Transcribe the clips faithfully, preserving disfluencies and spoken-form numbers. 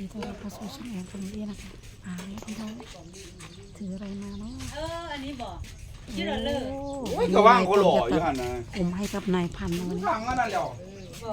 ดีต้อนรับเข้าสู่ช่องแอนคนนี้นะคะอ่าพี่น้องถืออะไรมาเนาะเอออันนี้บอกชื่อเราเลยโอ้ยก็ว่างก็หล่ออยู่หั่นน่ะผมให้กับนายพันธุ์วันนี้ทางนั้นน่ะแล้วบอก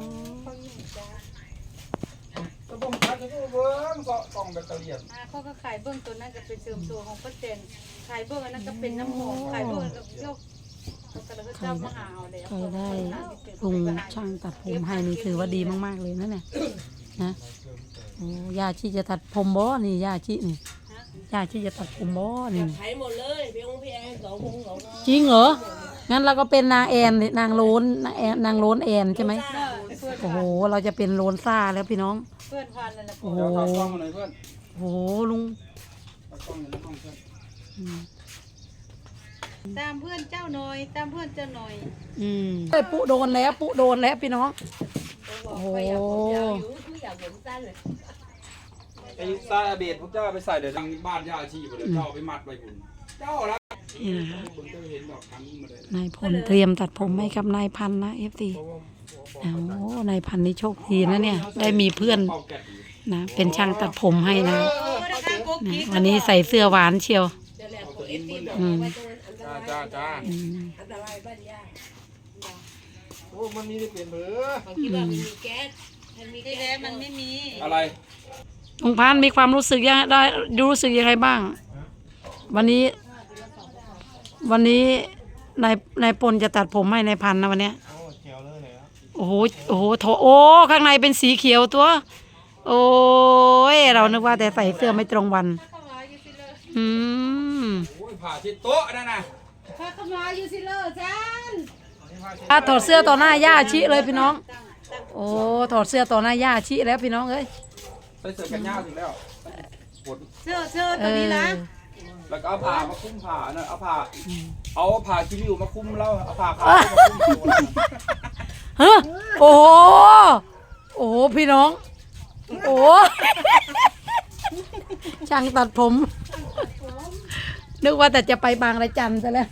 ก็บ่ทันจะเบิ่งซอกองแบตเตอรี่อ่าเขาก็ขายเบื้องตัวนั้นก็เป็นเสริมตัวของป้าเจนขายเบื้องอันนั้นก็เป็นน้ำหอมขายเบื้องก็ยกเขาก็เลยเจ้ามาหาเอาเลยใครได้ลุงช่างตัดผมให้นี่ถือว่าดีมากๆเลยนั่นแหละนะโอ้ยาชีจะตัดผมบ่นี่ยาชีนี่ยาชีจะตัดผมบ่นี่ไถหมดเลยพี่องค์พี่แอนสองพงสองจริงเหรองั้นเราก็เป็นนางแอนนางโลนนางแอนนางโลนแอนใช่ไหมโอ้โหเราจะเป็นโลนซ่าแล้วพี่น้องเพื่อนพันนั่นแหละโอ้โหเดี๋ยวถอดกล้องมาหน่อยเพื่อนโอ้โหลุงถอดกล้องอยู่ในห้องเพื่อนอืมตามเพื่อนเจ้าหน่อยตามเพื่อนเจ้าหน่อยอืมเอ้ยปุ๊โดนแล้วปุ๊โดนแล้วพี่น้องโอ้โหอยากผมยาวอยู่คืออยากผมสั้นเลยไอ้ซาเบดพวกเจ้าไปใส่เดี๋ยวทางบ้านย่าอาชีพเดี๋ยวเจ้าไปมัดไว้คุณเจ้าละนี่นะคะคุณก็เห็นดอกทั้งมาเลยนายพลเตรียมตัดผมให้กับนายพันธุ์นะเอฟซีโอ้นายพันธุ์นี่โชคดีนะเนี่ย ได้มีเพื่อนนะเป็นช่างตัดผมให้นะนะวันนี้ใส่เสื้อหวานเชียวเดี๋ยวแหละของเอฟซีบอกอืมไว้ตรงนั้นอันตรายจ้าจ้าอืมอันตรายบ้านย่าโอ้มันมีได้เปลี่ยนเบอร์บางทีว่ามันมีแก๊สมันมีที่แก๊แล้สมันไม่มีอะไรลุงพันธุ์มีความรู้สึกยังได้รู้สึกยังไงบ้าง วันนี้ วันนี้นายนายปนจะตัดผมให้นายพันธุ์นะวันเนี้ยโอ้เขียวเลยเหรอโอ้โห โอ้โหโถโอ้ ข้างในเป็นสีเขียวตัว โอ้ย เรานึกว่าแต่ใส่เสื้อไม่ตรงวันเข้ามาอยู่สิเลยอืมโอ้ยผ่าที่โต๊ะนั่นน่ะเข้ามาอยู่สิเลยจ้านถ้าถอดเสื้อต่อหน้าย่าชิเลยพี่น้อง โอ้ ถอดเสื้อต่อหน้าย่าชิแล้วพี่น้องเอ้ยใส่เสื้อกันยาวถึงแล้วกดเสื้อเสื้อเอตัวอนี้นะแล้วก็เอาผ้ามาคุ้มผ้าน่ะเอาผ้าเอาผ้าคิริวมาคุ้มแล้วเอาผ้าขาวมาคุ้มตัวนั่นน่ะเฮ้อโอ้โห โอ้โห พี่น้อง โอ้ ช่างตัดผม นึกว่าแต่จะไปบางระจันซะแล้ว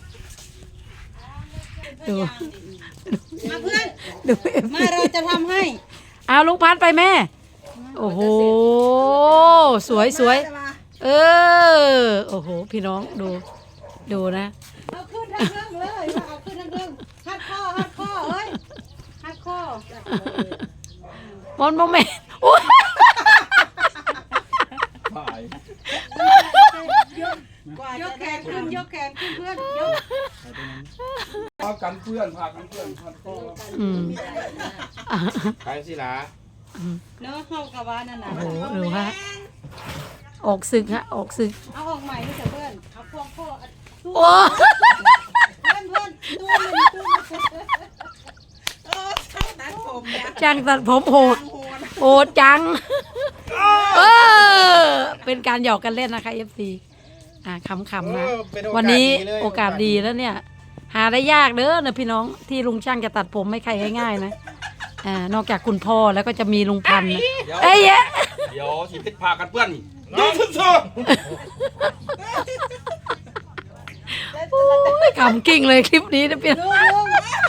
ดูมาเพื่อนดูเอ็มมาเราจะทำให้เอาลุงพันธุ์ไปแม่ โอ้โห สวยสวย เออ โอ้โห พี่น้องดู ดูนะเอาขึ้นทั้งเรื่องเลยเอาขึ้นทั้งเรื่องฮัดข้อฮัดข้อเอ้ยฮัดข้อบอลโมเมนต์อุ๊ยผ่ายยกแขนขึ้นยกแขนขึ้นเพื่อนยกเอากันเพื่อนพากันเพื่อนพันโตอืมใครสิล่ะเนาะเข้ากับว่านั่นน่ะโอ้โหดูฮะออกศึกฮะ ออกศึกเอาออกใหม่นี่เถอะเพื่อนเอาพวงข้อตู้โอ้เพื่อนเพื่อนตู้มันตู้มันเออช่างตัดผมเนี่ยจังตัดผมโหด โหดจัง เออ เป็นการหยอกกันเล่นนะคะเอฟซีอ่าขำๆนะ วันนี้โอกาสดีแล้วเนี่ย หาได้ยากเด้อนะพี่น้องที่ลุงช่างจะตัดผมไม่ใครง่ายๆนะอ่านอกจากคุณพ่อแล้วก็จะมีลุงพันธุ์นะเอ้ยแยะเดี๋ยวสิพิษพากันเพื่อนนี่ดูสุดโอ้ยขำกิ้งเลยคลิปนี้นะพี่น้องลุงลุง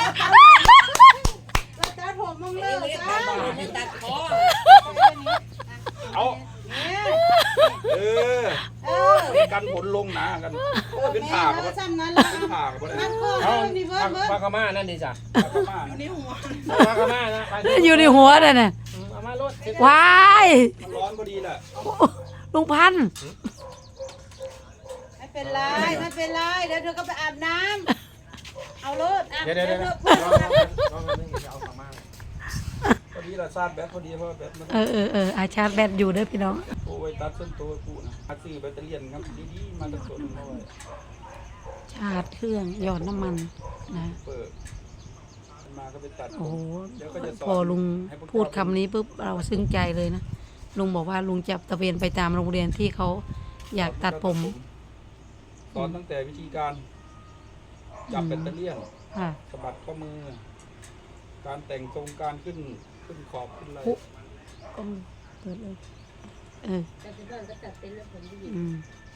เราตัดผมมึงเลิกจ้าไม่ตัดคอๆเอาเนี่ยเออเออกันผลลงนะกันโอ้ยเป็นแม่ผ่าเรากับซ้ำนั้นละเป็นผ่ากับอะไรมันข้อเพื่อนนี่เพื่อนเพื่อนปลาขม่านั่นดิจ้ะผ่านี่หัวปลาขม่านะปลาอยู่ในหัวน่ะน่ะเอามาลดว้ายมันร้อนพอดีแหละลุงพันธุ์ไม่เป็นไรไม่เป็นไรเดี๋ยวเธอก็ไปอาบน้ำเอารถอาบเดี๋ยวเดี๋ยวเดี๋ยวเธเดี๋อยวเพื่อนลองนึงจะเอาขม่าพอดีละซาดแบตพอดีเพราะแบตมันเออเออเอออาชาร์จแบตอยู่เด้อพี่น้องโอ้ยตัดส้นโตกูนะหาซื้อแบตเตอรี่ครับดีๆมาตั้งตัวนึงเอาไว้ชาร์จเครื่องหยอดน้ำมันนะเปิดมาก็ไปตัดโอ้โหเดี๋ยวก็จะสอนพอลุงให้พวกพูดคำนี้ปุ๊บเราซึ้งใจเลยนะลุงบอกว่าลุงจะตะเวนไปตามโรงเรียนที่เขาอยากตัดผมสอนตั้งแต่วิธีการจับแบตเตอรี่ค่ะสะบัดข้อมือ การแต่งทรงการขึ้นขึ้นขอบขึ้นอะไรปุ๊บก็เปิดเลยเออแต่ที่บ้านก็ตัดเป็นแล้วผมดีอืม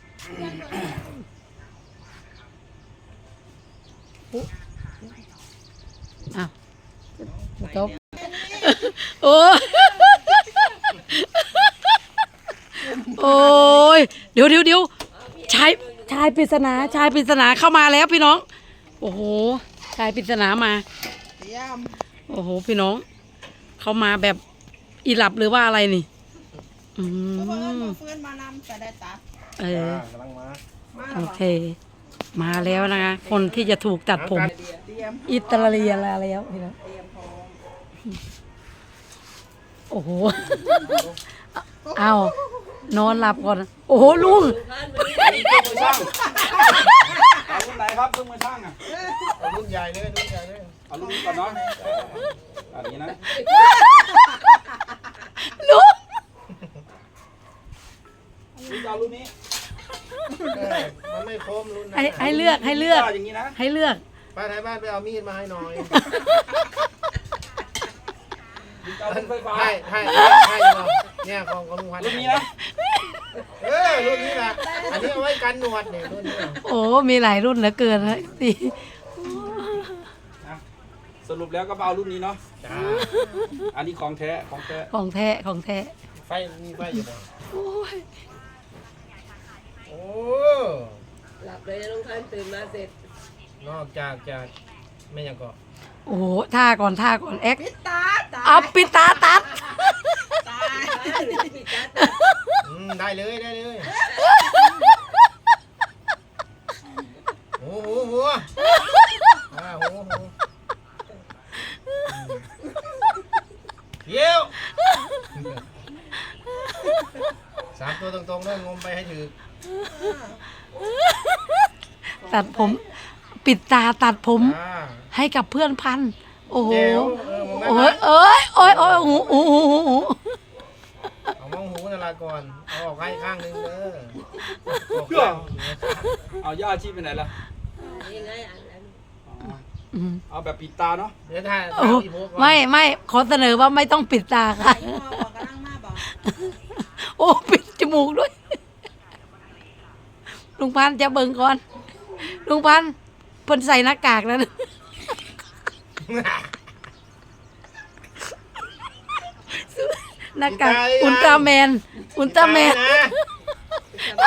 ปุ๊บอ้าวจบโอ้โอ้ยเดี๋ยวเดี๋ยวเดี๋ยวชายชายปริศนาชายปริศนาเข้ามาแล้วพี่น้องโอ้โหชายปริศนามาโอ้โหพี่น้องเข้ามาแบบอีหลับหรือว่าอะไรนี่อืมเพื่อนมานำแต่ได้ตัดเออกำลังมาโอเค มาแล้วนะคะคนที่จะถูกตัดผมเตรียมอิตาเลียนแล้วพี่น้องเตรียมพร้อมโอ้โหเอานอนหลับก่อนโอ้โหลุงอันนี้เครื่องมือช่างเอารุ่นไหนครับเครื่องมือช่างอ่ะเอารุ่นใหญ่เลยรุ่นใหญ่เลยเอารุ่นนี้ก่อนเนาะอันนี้นะลุงรุ่นเอารุ่นนี้เออมันไม่คมรุ่นนั้นให้น่ะให้เลือกให้เลือกอย่างนี้นะให้เลือกป้าไทยบ้านไปเอามีดมาให้หน่อยเอารุ่นไฟฟ้าให้ให้ให้เราเนี่ยของของลุงพันธุ์รุ่นนี้นะเออรุ่นนี้นะอันนี้เอาไว้กันหนวดเนี่ยรุ่นนี้น่ะโอ้มีหลายรุ่นเหลือเกินนะสินะสรุปแล้วก็เอารุ่นนี้เนาะจ้าอันนี้ของแท้ของแท้ของแท้ของแท้ไฟมีไฟอยู่ไหนโอ้ยโอ้หลับเลยนะลุงพันธุ์ตื่นมาเสร็จนอกจากจะไม่ยังก็โอ้โหท่าก่อนท่าก่อนแอ็กตาตาเอาปิดตาตัดตาอืมได้เลยได้เลยโอ้โหหัวอ่าโหโหเยี่ยวสามตัวตรงๆด้วยงมไปให้ถือตัดผม ปิดตาตัดผมอ่าให้กับเพื่อนพันธุ์โอ้โหเจ๋วเออมองได้โอ้ไหมยเอ้ยโอ้ยโอ้ยหูหูหูหูหูเอามองหูนั่นละก่อน เอาออกให้ข้างหนึงเด้อออกเพื่อข้างเอาย่าอาชีพไปไหนล่ะนี่ไงอันนั้นอ๋ออืมเอาแบบปิดตาเนาะเดี๋ยวถ้าโอ้ถ้าอีโพกก่อนไม่ไม่ขอเสนอว่าไม่ต้องปิดตาค่ะพ่อบอกกำลังมาบอกโอ้ปิดจมูกด้วย ลุงพันธุ์จะเบิ่งก่อน ลุงพันธุ์เพิ่นใส่หน้ากากแล้วนะหน้ากากอุลตร้าแมน อุลตร้าแมนตายนะ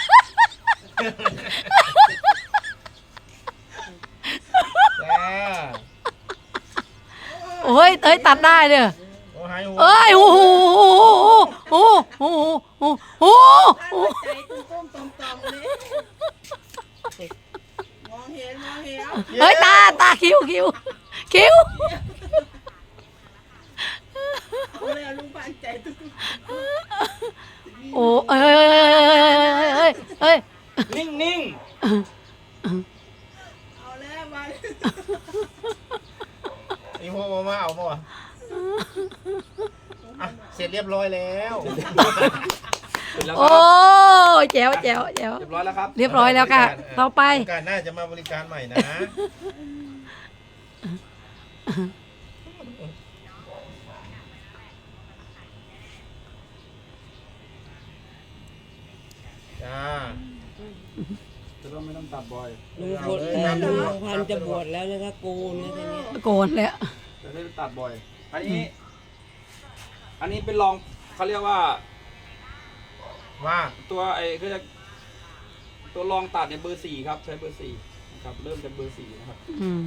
จ้าโอ้ยเอ้ยตัดได้เด้อโอ้หายหูเอ้ยโอ้โหโอ้โหโอ้โหโอ้โหใจตุ้มตุ้มตอมตอมเลยมองเห็นมองเห็นเฮ้ยตาตาคิ้วคิ้วคิ้วเอาเลยลุงปานใจตุ้มโอ้เอ้ยเอ้ยเอ้ยเอ้ยเอ้ยนิ่งนิ่งเอาแล้วมาอีโพกมาเอาป่ะอ่ะเสร็จเรียบร้อยแล้วเสร็จแล้วคโอ้รับแจ๋วแจ๋วแจ๋วเรียบร้อยแล้วครับเรียบร้อยแล้วค่ะต่อไปโอกาสหน้าจะมาบริการใหม่นะ จ้าจะต้องไม่ต้องตัดบ่อยลุงพลเอ่อลุงพันธุ์จะบวชแล้วนะคะโกนนะทีนี้โกนแล้วจะได้ตัดบ่อย อันนี้ อันนี้เป็นรองเขาเรียกว่าว่าตัวไอ้ก็จะตัวรองตัดเนี่ยเบอร์สี่ครับ ใช้เบอร์สี่นะครับ เริ่มจากเบอร์สี่นะครับอืม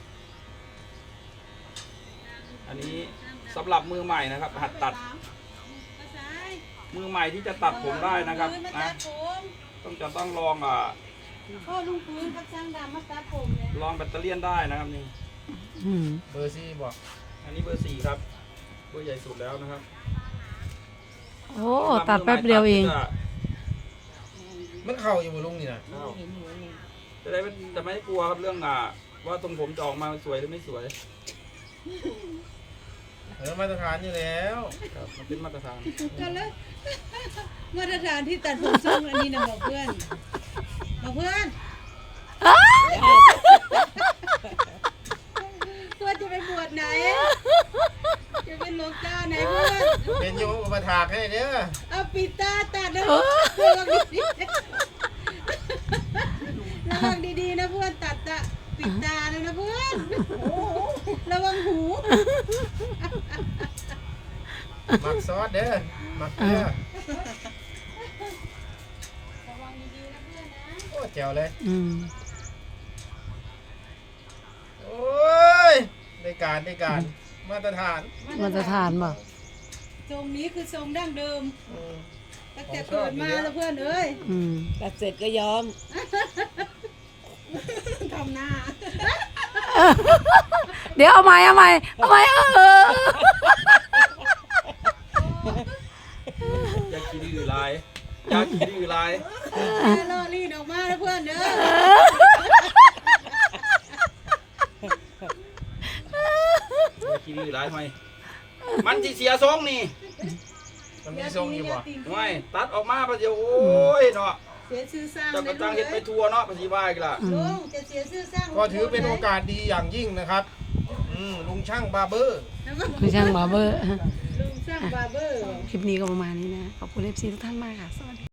อันนี้สำหรับมือใหม่นะครับ หัดตัด มือใหม่ที่จะตัดผมได้นะครับมานะตัดผมต้องจะต้องลองอ่าพ่อลุงปืนกับช่างดำมาตัดผมเนี่ยลองแบตเตอรี่ยนได้นะครับนี่อืมเบอร์ซี่บอกอันนี้เบอร์สี่ครับ เบอร์ใหญ่สุดแล้วนะครับโอ้ตัดแป๊บเดียวเองมันเข่าอยู่บนลุงนี่นะจะได้ไม่จะไม่กลัวครับเรื่องอ่าว่าตรงผมจะออกมาสวยหรือไม่สวยเออมาตรฐานอยู่แล้วครับมันเป็นมาตรฐานกันเลยมาตรฐานที่ตัดผมทรงอันนี้นะบอกเพื่อนบอกเพื่อนเพื่อนจะไปบวชไหน จะเป็นหลวงตาไหนเพื่อนเป็นโยมอุปถากให้เด้อเอาปิดตาตัดนะเพื่อนระวังดีๆระวังดีๆนะเพื่อนตัดตาปิดตาเลยนะเพื่อนระวังหูหมักซอสเด้อหมักเกลือแจ๋วเลยอืมโอ้ยได้การได้การมาตรฐานมาตรฐานบ่ทรงนี้คือทรงดั้งเดิมอืมตั้งแต่เกิดมาแล้วเพื่อนเอ้ยอืมตัดเสร็จก็ยอมทำหน้าเดี๋ยวเอาใหม่เอาใหม่เอาใหม่เอออยากกินอื่นลายอยากกินอื่นลายแม่ล่อลีดออกมาแล้วเพื่อนเด้ออยากกินอื่นลายทำไมมันสิเสียทรงนี่มันมีทรงอยู่บ่ทำไมตัดออกมาประเดี๋ยวโอ้ยเนาะเสียชื่อสร้างเจ้ากระจังเห็ดไปทัวเนาะภาษีว่าอีกล่ะลุงจะเสียชื่อสร้างก็ถือเป็นโอกาสดีอย่างยิ่งนะครับอืมลุงช่างบาร์เบอร์ไม่ช่างบาร์เบอร์ลุงสร้างบาร์เบอร์คลิปนี้ก็ประมาณนี้นะ ขอบคุณเอฟซีทุกท่านมากค่ะ สวัสดี